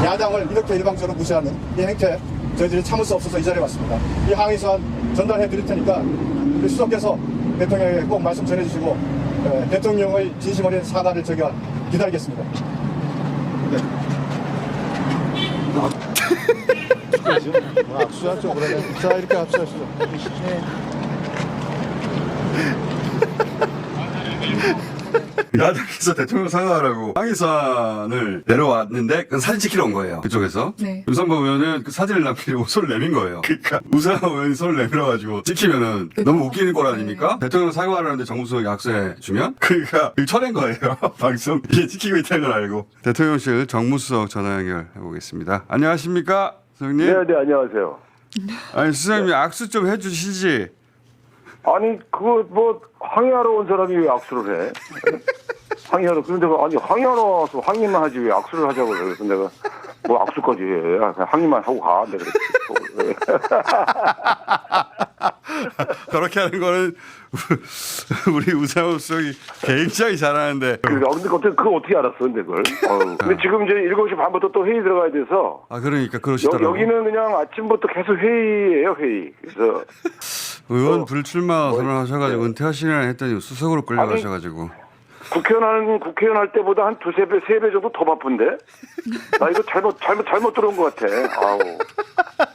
야당을 이렇게 일방적으로 무시하는 이 행태 저희들이 참을 수 없어서 이 자리에 왔습니다. 이 항의 사안 전달해 드릴 테니까 우리 수석께서 대통령에게 꼭 말씀 전해 주시고 대통령의 진심 어린 사과를 저희가 기다리겠습니다. 네. 압수하죠. 그러면 자 이렇게 압수하시죠. 네. 야당에서 대통령 사과하라고 항의사안을 내려왔는데 그건 사진 찍히러 온 거예요. 그쪽에서. 네. 유상범 의원은 그 사진을 남기려고 손을 내민 거예요. 그러니까 우상호 의원이 손을 내밀어가지고 찍히면은 너무 웃기는 꼴 아닙니까? 대통령 사과하라는데 정무수석이 악수해 주면 그러니까 쳐낸 거예요. 방송 이게 찍히고 있다는 걸 알고. 대통령실 정무수석 전화 연결해 보겠습니다. 안녕하십니까, 수석님? 네, 안녕하세요. 아니 수석님이 악수 좀 해주시지. 아니, 그거 뭐 항의하러 온 사람이 왜 악수를 해? 항의하러 그런데 아니 항의하러 와서 항의만 하지 왜 악수를 하자고 그래? 그래서 내가 뭐 악수까지 해? 그냥 항의만 하고 가. 내가 그랬지. 그렇게 하는 거는 우리 우상호 수석이 굉장히 잘하는데. 근데 그거 어떻게 알았어, 근데 그걸? 근데 지금 이제 7시 반부터 또 회의 들어가야 돼서. 아 그러니까 그러시더라고요. 여기는 그냥 아침부터 계속 회의예요, 회의. 그래서 의원 불출마 선언하셔가지고 은퇴하시려나 했더니 수석으로 끌려가셔가지고. 국회의원 할 때보다 한 두세 배, 세 배 정도 더 바쁜데? 나 이거 잘못 들어온 것 같아. 아우.